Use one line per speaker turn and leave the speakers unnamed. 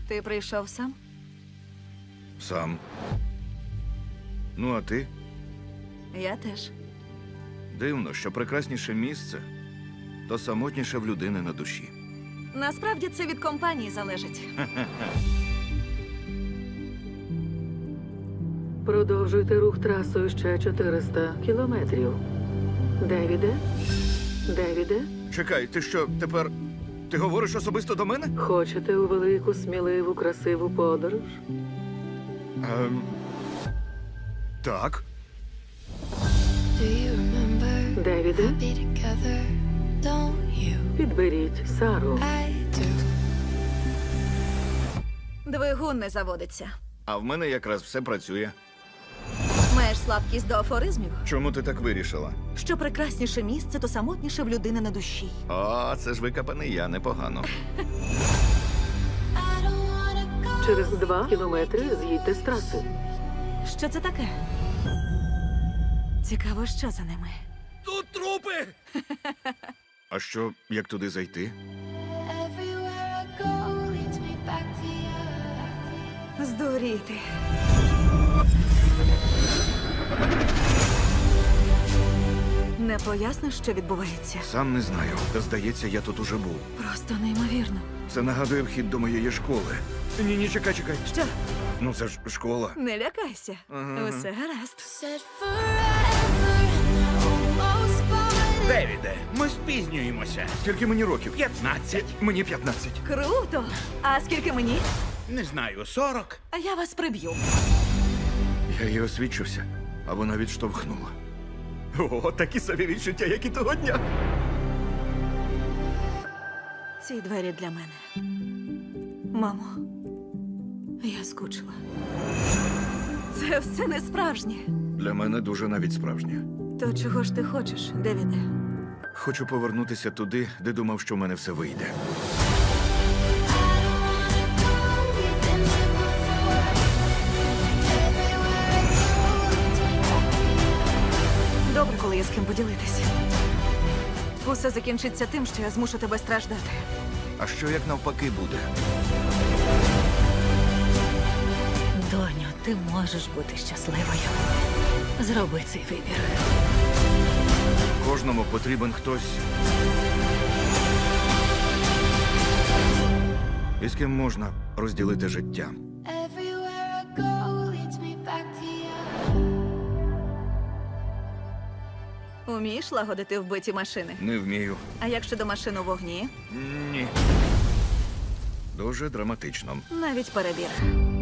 Ти прийшов сам?
Сам. Ну, а ти?
Я теж.
Дивно, що прекрасніше місце, то самотніше в людини на душі.
Насправді це від компанії залежить.
Продовжуйте рух трасою ще 400 кілометрів. Девіде? Девіде?
Чекай, ти що, тепер... Ти говориш особисто до мене?
Хочете у велику, сміливу, красиву подорож?
Так.
Do you remember
Девіде?
be together? Don't you?
Підберіть Сару.
I do.
Двигун не заводиться.
А в мене якраз все працює.
Маєш слабкість до афоризмів?
Чому ти так вирішила?
Що прекрасніше місце, то самотніше в людини на душі.
О, це ж викопаний я, непогано.
I don't wanna go.
Через 2 кілометри з'їдьте з траси.
Що це таке? Цікаво, що за ними.
Тут трупи! А що, як туди зайти?
Everywhere I go leads me back to you.
Здуріти. Не поясниш, що відбувається?
Сам не знаю. Та здається, я тут уже був.
Просто неймовірно.
Це нагадує вхід до моєї школи. Ні, чекай.
Що?
Ну це ж школа.
Не лякайся.
Ага.
Усе гаразд.
Said forever and I almost bought it.
Девіде, ми спізнюємося.
Скільки мені років?
15.
Мені 15.
Круто! А скільки мені?
Не знаю, 40.
А я вас приб'ю.
Я її освідчився, а вона відштовхнула. О, такі собі відчуття, як і того дня.
Ці двері для мене. Мамо, я скучила. Це все не справжнє.
Для мене дуже навіть справжнє.
То чого ж ти хочеш, Девіде?
Хочу повернутися туди, де думав, що в мене все вийде.
We've been here before. Everywhere I go leads me back.
Добре, коли є з ким поділитися. Усе закінчиться тим, що я змушу тебе страждати.
А що як навпаки буде?
Доню, ти можеш бути щасливою. Зроби цей вибір.
Кожному потрібен хтось, із ким можна розділити життя.
Everywhere I go leads me back to you.
Умієш лагодити вбиті машини?
Не вмію.
А як щодо машин у вогні?
Ні. Дуже драматично.
Навіть перебір.